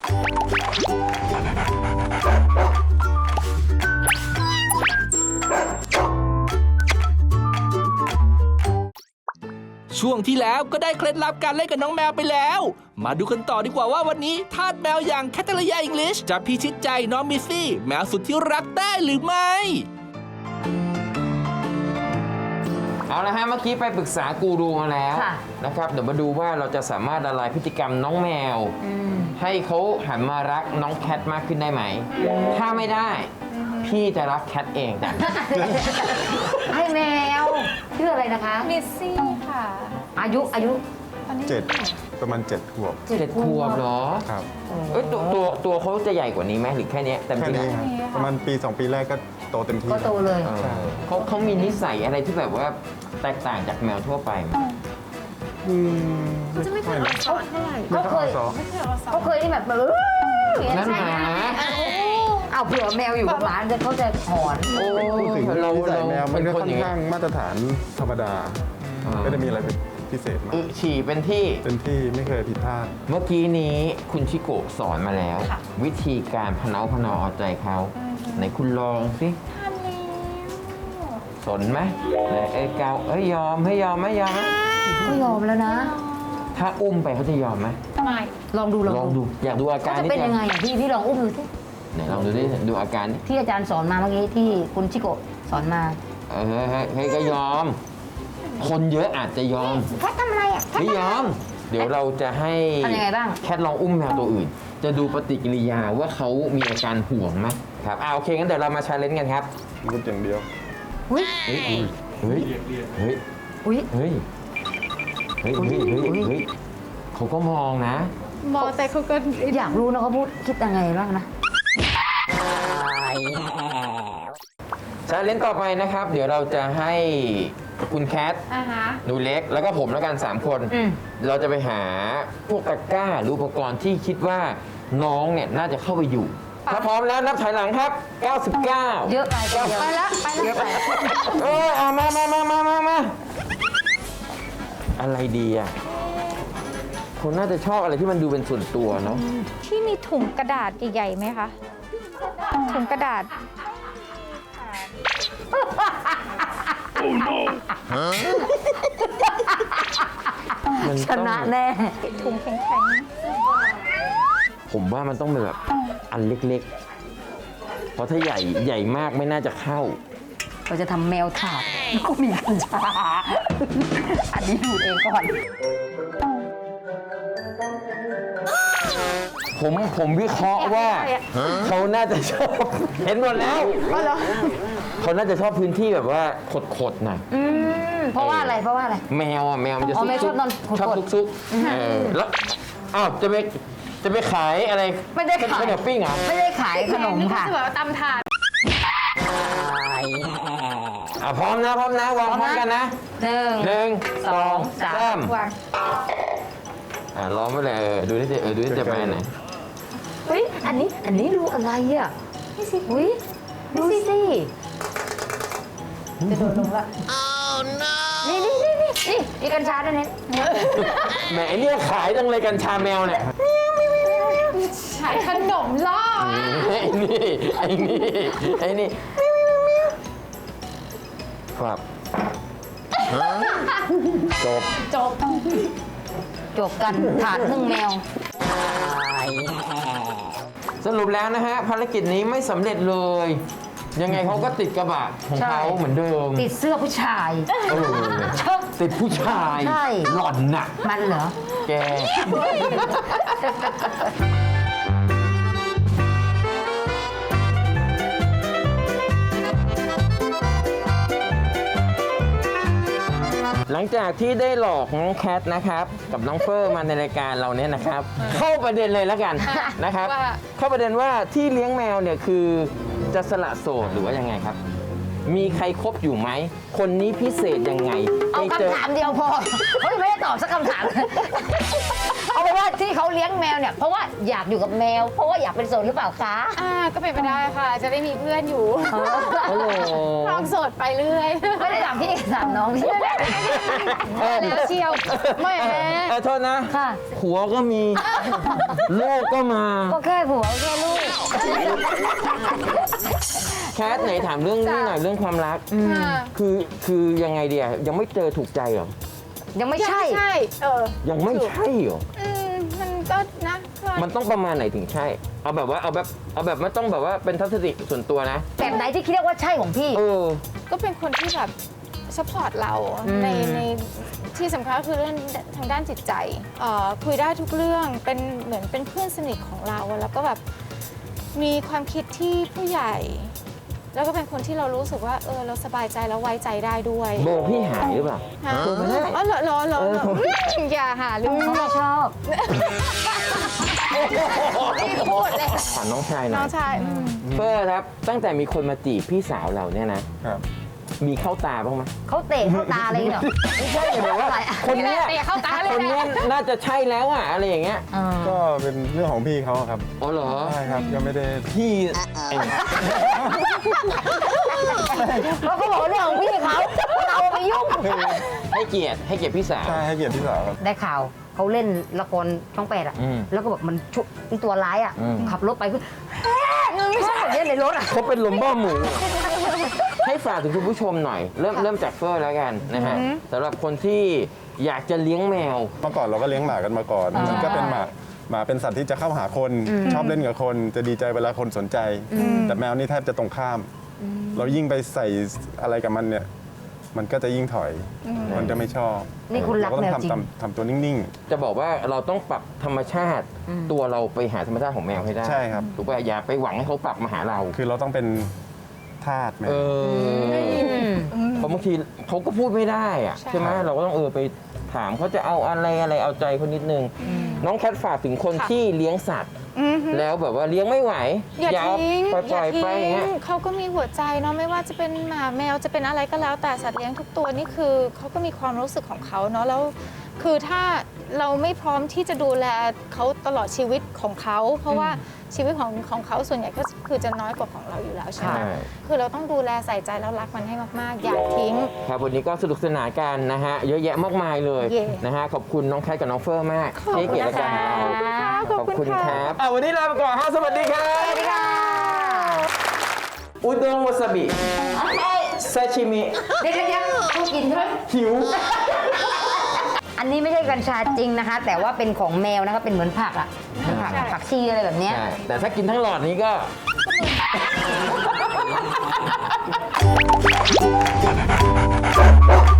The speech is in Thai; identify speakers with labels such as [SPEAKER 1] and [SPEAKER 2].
[SPEAKER 1] ช่วงที่แล้วก็ได้เคล็ดลับการเล่นกับน้องแมวไปแล้ว มาดูกันต่อดีกว่าว่าวันนี้ทาสแมวอย่างแคทเธอรีนอังกฤษจะพิชิตใจน้องมิสซี่แมวสุดที่รักได้หรือไม่
[SPEAKER 2] เอาละฮะเมื่อกี้ไปปรึกษากูรูมาแล้วนะครับเดี๋ยวมาดูว่าเราจะสามารถละลายพฤติกรรมน้องแมวให้เขาหันมารักน้องแคทมากขึ้นได้ไหมถ้าไม่ได้พี่จะรักแคทเองจ้ะ
[SPEAKER 3] ให้แมวชื่ออะไรนะคะ
[SPEAKER 4] มิสซี่ค่ะ
[SPEAKER 3] อายุ
[SPEAKER 4] ตอนนี้
[SPEAKER 5] 7 ประมาณ 7 ขวบ
[SPEAKER 2] 7 ขวบเหรอ
[SPEAKER 5] ครับ
[SPEAKER 2] เอ้ยตัวเขาจะใหญ่กว่านี้ไหมหรือแค่เนี้ยเต็ม
[SPEAKER 5] แค่
[SPEAKER 2] ที่
[SPEAKER 5] นี้
[SPEAKER 2] แล้ว
[SPEAKER 5] ครับประมาณปี 2 ปีแรกก็โตเต็มที่
[SPEAKER 3] ก็โตเลย
[SPEAKER 5] ใช่
[SPEAKER 2] เขามีนิสัยอะไรที่แบบว่าแตกต่างจากแมวทั่วไปไหม
[SPEAKER 4] จะไม่เคยเอาสอนเท่าไหร่
[SPEAKER 5] ไม่ค่อยสอน
[SPEAKER 4] ไม่เคยเอาสอน
[SPEAKER 3] เขาเคยที่แบบอย่าง
[SPEAKER 2] นั่น
[SPEAKER 3] ใช่
[SPEAKER 2] ห
[SPEAKER 3] ไหม
[SPEAKER 2] มา
[SPEAKER 3] เอาเผื่อแมวอยู่กับหมาเขาจะหอน
[SPEAKER 2] โอ้
[SPEAKER 5] พูดถึง
[SPEAKER 2] เรา
[SPEAKER 5] นิสัยแมวมันก็
[SPEAKER 2] เป็
[SPEAKER 5] ค่อน
[SPEAKER 2] ย่
[SPEAKER 5] ข้างมาตรฐานธรรมดา ไม่ได้มีอะไรเป็นพิเศษมาก
[SPEAKER 2] ฉี่เป็นที่
[SPEAKER 5] เป็นที่ไม่เคยผิดพลาด
[SPEAKER 2] เมื่อกี้นี้คุณชิโกะสอนมาแล้ว วิธีการพะเนาเอาใจเขาไหนคุณลองสิ
[SPEAKER 4] ทำแล้ว
[SPEAKER 2] สนไหมไหนเกายอมให้ยอมไหมยอมไหม
[SPEAKER 3] ก็ยอมแล้วนะ
[SPEAKER 2] ถ้าอุ้มไปเขาจะยอมไหม
[SPEAKER 4] ไม่
[SPEAKER 3] ลองดู
[SPEAKER 2] ลองดูอยากดูอา
[SPEAKER 3] เขา
[SPEAKER 2] การ
[SPEAKER 3] จะ
[SPEAKER 2] นี่
[SPEAKER 3] เป็นยังไงอ่ะพี่ลองอุ้มดูสิ
[SPEAKER 2] ไหนลองดูดิดูอาการดิ
[SPEAKER 3] ที่อาจารย์สอนมาเมื่อกี้ที่คุณชิโกะสอนมา
[SPEAKER 2] เฮ้ยก็ยอม คนเยอะอาจจะยอม
[SPEAKER 3] แคททำอะไรอ่ะ
[SPEAKER 2] ไม่ยอม เดี๋ยวเราจะให้
[SPEAKER 3] ทำยังไงบ้าง
[SPEAKER 2] แคทลองอุ้มแมวตัวอื่น จะดูปฏิกิริยาว่าเขามีอาการห่วงไหมครับโอเคงั้นเดี๋ยวเรามาชาเลนจ์กันครับ
[SPEAKER 5] รูดอย่างเดียว
[SPEAKER 3] อุ้ย
[SPEAKER 2] เฮ้ยเฮ้ยเฮ้ย
[SPEAKER 3] อุ้ย
[SPEAKER 2] เฮ้ยเฮ้ยเฮ้ยเฮ้ยเฮ้ยเขาก็มองนะ
[SPEAKER 4] มองแต่เขาก็
[SPEAKER 3] อยากรู้นะเขาพูดคิดยังไงบ้างนะ
[SPEAKER 2] ชาเลนจ์ต่อไปนะครับ เดี๋ยวเราจะให้คุณแคท
[SPEAKER 4] ฮะ
[SPEAKER 2] หนูเล็กแล้วก็ผมแล้วกัน 3 คน เราจะไปหาพวกตะกร้าหรืออุปกรณ์ที่คิดว่าน้องเนี่ยน่าจะเข้าไปอยู่ ถ้าพร้อมแล้วนับถอยหลังครับ 99
[SPEAKER 3] เยอะไปไปแล้วเยอะไป
[SPEAKER 2] มาอะไรดีอ่ะคนน่าจะชอบอะไรที่มันดูเป็นส่วนตัวเนาะ
[SPEAKER 4] ที่มีถุงกระดาษใหญ่ๆไหมคะ ถุงกระดาษ
[SPEAKER 2] มัน
[SPEAKER 3] ช
[SPEAKER 2] ต้อง
[SPEAKER 3] นะแน่
[SPEAKER 4] ถุงแข็ง
[SPEAKER 2] ผมว่ามันต้องเป็นแบบอันเล็กๆ เพราะถ้าใหญ่มากไม่น่าจะเข้า
[SPEAKER 3] เราจะทำแมวถาดก็มีกัญชา อันนี้ดูดเองก่อน
[SPEAKER 2] ผมวิเคราะห์ว่าเขาน่าจะชอบ เห็นหมดแล้วเขาน่าจะชอบพื้นที่แบบว่าขดๆหน่อย
[SPEAKER 3] เพราะว่าอะไร
[SPEAKER 2] แมวมันจะ
[SPEAKER 3] อ๋อแมวชอบนอนขดๆ
[SPEAKER 2] ชอบซุกๆแล้วอ้าวจะไปขายอะไร
[SPEAKER 3] ไม่ได้ขาย
[SPEAKER 2] ข้าวเหนียวปิ้งเหรอ
[SPEAKER 3] ไม่ได้ขายขนม
[SPEAKER 4] ๆ
[SPEAKER 3] ค่ะ
[SPEAKER 4] จะแบบว่าตำถาด
[SPEAKER 2] พร้อมนะวางพร้อมกันนะ
[SPEAKER 3] หนึ่ง
[SPEAKER 2] 1 2 3
[SPEAKER 4] วาง
[SPEAKER 2] ล้อมไปเลยดูนี่สิดูนี่จะมาไหน
[SPEAKER 3] เฮ้ยอันนี้ดูอะไรอ่ะอุ้ยดูสิจะโดดลงละนี่กัญชาด้วยเนี่ย
[SPEAKER 2] แหมไอ้เนี่ยขายจังเลยกัญชาแมวเนี่ย
[SPEAKER 4] ขายขนมล่อ
[SPEAKER 2] ไอ้นี่ครับจบ
[SPEAKER 3] กันถาดนึ่งแมว
[SPEAKER 2] สรุปแล้วนะฮะภารกิจนี้ไม่สำเร็จเลย ยังไงเขาก็ติดกระบะของเขาเหมือนเดิม
[SPEAKER 3] ติดเสื้อผู้ชาย
[SPEAKER 2] ติดผู้ชาย
[SPEAKER 3] ใช่
[SPEAKER 2] หล่อนน่ะ
[SPEAKER 3] มันเหรอ
[SPEAKER 2] แก หลังจากที่ได้หลอกน้องแคทนะครับ กับน้องเฟอร์มาในรายการเราเนี่ยนะครับ เข้าประเด็นเลยแล้วกันนะครับ เข้าประเด็นว่าที่เลี้ยงแมวเนี่ยคือจะสละโสดหรือว่ายังไงครับ มีใครคบอยู่ไหมคนนี้พิเศษยังไง
[SPEAKER 3] เอา
[SPEAKER 2] ไปเจอ
[SPEAKER 3] คำถามเดียวพอเฮ้ยไม่ได้ตอบสักคำถามเลยเอาเป็นว่าที่เขาเลี้ยงแมวเนี่ยเพราะว่าอยากอยู่กับแมว เพราะว่าอยากเป็นโสดหรือเปล่าคะ
[SPEAKER 4] ก็เป็นไปได้ค่ะ จะได้มีเพื่อนอยู่
[SPEAKER 2] โอ้โห
[SPEAKER 4] ครองโสดไปเรื่อย
[SPEAKER 3] ไม่ได้ถามพี่ถามน้องพี่
[SPEAKER 4] แล้วเชียวแหม
[SPEAKER 2] โทษนะ
[SPEAKER 3] ค่ะ
[SPEAKER 2] ผัวก็มีลูกก็มา
[SPEAKER 3] ก็แค่ผัวแค่ลูก
[SPEAKER 2] แคทไหนถามเรื่องนี้หน่อยเรื่องความรัก
[SPEAKER 4] ค่ะ
[SPEAKER 2] คือยังไงเดียยังไม่เจอถูกใจเหรอ
[SPEAKER 3] ยังไม่ใช่
[SPEAKER 4] ใช่
[SPEAKER 2] ยังไม่ใช่เหรอ
[SPEAKER 4] มันก็นะ
[SPEAKER 2] มันต้องประมาณไหนถึงใช่ เอาแบบว่าเอาแบบไม่ต้องแบบว่าเป็นทัศนคติส่วนตัวนะ
[SPEAKER 3] แบบไหนที่คิดว่าใช่ของพี่
[SPEAKER 2] เออ
[SPEAKER 4] ก็เป็นคนที่แบบสปอร์ตเราในที่สำคัญก็คือเรื่องทางด้านจิตใจคุยได้ทุกเรื่องเป็นเหมือนเป็นเพื่อนสนิทของเราแล้วก็แบบมีความคิดที่ผู้ใหญ่ แล้วก็เป็นคนที่เรารู้สึกว่าเราสบายใจแล้วไว้ใจได้ด้วย
[SPEAKER 2] โบพี่หายหรือเปล่า
[SPEAKER 4] ฮะ
[SPEAKER 2] โทรมาได้
[SPEAKER 4] อ๋อเหรออย่าหาเรื่อง
[SPEAKER 3] เขาไม่ชอบ
[SPEAKER 4] นี่พูดเลย
[SPEAKER 2] ถามน้องชายหน่
[SPEAKER 4] น้
[SPEAKER 2] อ
[SPEAKER 4] อย งชาย
[SPEAKER 2] เฟิร์ครับ ตั้งแต่มีคนมาจีบพี่สาวเราเนี่ยนะ
[SPEAKER 5] ครับ
[SPEAKER 2] มีเข้าตาบ้างไหม
[SPEAKER 3] เขาเตะเข้าตาอะไรอย่างเงี้ยเหรอ
[SPEAKER 2] ไม่ใช่แบบว่าคนเนี้ย
[SPEAKER 4] เตะเข้าตาเลย
[SPEAKER 2] คนเนี้ย
[SPEAKER 4] นะ
[SPEAKER 2] น่าจะใช่แล้วอ่ะอะไรอย่างเงี้ย
[SPEAKER 5] ก็เป็นเรื่องของพี่เขาครับ
[SPEAKER 2] อ๋อเหรอ
[SPEAKER 5] ใช่ครับก็ไม่ได้
[SPEAKER 2] พี่ไอ้
[SPEAKER 3] เขาก็บอกว่าเรื่องของพี่เขาเราไปยุ่ง
[SPEAKER 2] ให้เกียรติพี่สาว
[SPEAKER 5] ใช่ให้เกียรติพี่สาวครับ
[SPEAKER 3] ได้ข่าวเขาเล่นละครช่อง 8อ่ะ
[SPEAKER 2] อืม
[SPEAKER 3] แล้วก็แบบมันชุตัวร้ายอ่ะ
[SPEAKER 2] อืม
[SPEAKER 3] ขับรถไปคือไม่ใช่แบบนี้ในรถอ่ะ
[SPEAKER 2] เขาเป็นลมบ้าหมู ให้ฝากถึงคุณผู้ชมหน่อย เริ่มจากเฟอร์แล้วกันนะฮะสำหรับคนที่อยากจะเลี้ยงแมว
[SPEAKER 5] เมื่อก่อนเราก็เลี้ยงหมากันมาก่อน มันก็เป็นหมาเป็นสัตว์ที่จะเข้าหาคน ชอบเล่นกับคน จะดีใจเวลาคนสนใจ แต่แมวนี่แทบจะตรงข้าม เรายิ่งไปใส่อะไรกับมันเนี่ย มันก็จะยิ่งถอย มันจะไม่ชอบ
[SPEAKER 3] นี่คุณรัก
[SPEAKER 5] เราก็
[SPEAKER 3] แม
[SPEAKER 5] ต้อ
[SPEAKER 3] ว
[SPEAKER 5] ง
[SPEAKER 3] จริง
[SPEAKER 5] ทำตัวนิ่ง
[SPEAKER 2] จะบอกว่าเราต้องปรับธรรมชาติ ตัวเราไปหาธรรมชาติของแมวให้ได้
[SPEAKER 5] ใช่ครับ
[SPEAKER 2] ถูกป่ะอย่าไปหวังให้เขาปรับมาหาเรา
[SPEAKER 5] ๆ คือเราต้องเป็นทาสแมว
[SPEAKER 2] เพราะบางทีเขาก็พูดไม่ได้อะใช่ไหมเราก็ต้องไปถามเขาจะเอาอะไรเอาใจเขานิดนึง น้องแคทฝากถึงคนที่เลี้ยงสัตว์ แล้วแบบว่าเลี้ยงไม่ไหว
[SPEAKER 4] อย่าทิ้ง
[SPEAKER 2] ปล่อยไปอย่างเงี้ย
[SPEAKER 4] เขาก็มีหัวใจเนาะไม่ว่าจะเป็นหมาแมวจะเป็นอะไรก็แล้วแต่สัตว์เลี้ยงทุกตัวนี่คือเขาก็มีความรู้สึกของเขาเนาะแล้วคือถ้าเราไม่พร้อมที่จะดูแลเขาตลอดชีวิตของเขาเพราะว่าชีวิตของเขาส่วนใหญ่ก็คือจะน้อยกว่าของเราอยู่แล้วใช่ไหม
[SPEAKER 2] ใช่
[SPEAKER 4] คือเราต้องดูแลใส่ใจแล้วรักมันให้มากๆอย่าทิ้ง
[SPEAKER 2] ครับวันนี้ก็สนุกสนานกันนะฮะเยอะแยะมากมายเลย
[SPEAKER 4] เย่
[SPEAKER 2] นะฮะขอบคุณน้องแคทกับน้องเฟอร์มาก
[SPEAKER 4] ขอบคุณ
[SPEAKER 2] ที่ให้เกียรติรายการของเรา
[SPEAKER 4] ขอบคุณค่ะ
[SPEAKER 2] ครับวันนี้ลาไปก่อนฮะสวัสดีครับสวัสดีค่ะอุด้งวาซาบิซาชิมิ
[SPEAKER 3] เดี๋ยวเขากินใช่ไหม
[SPEAKER 2] หิว
[SPEAKER 3] อันนี้ไม่ใช่กัญชาจริงนะคะ แต่ว่าเป็นของแมวนะคะเป็นเหมือนผักอ่ะเป็นผักชีอะไรแบบเนี้ย
[SPEAKER 2] ใช่แต่ถ้ากินทั้งหลอดนี้ก็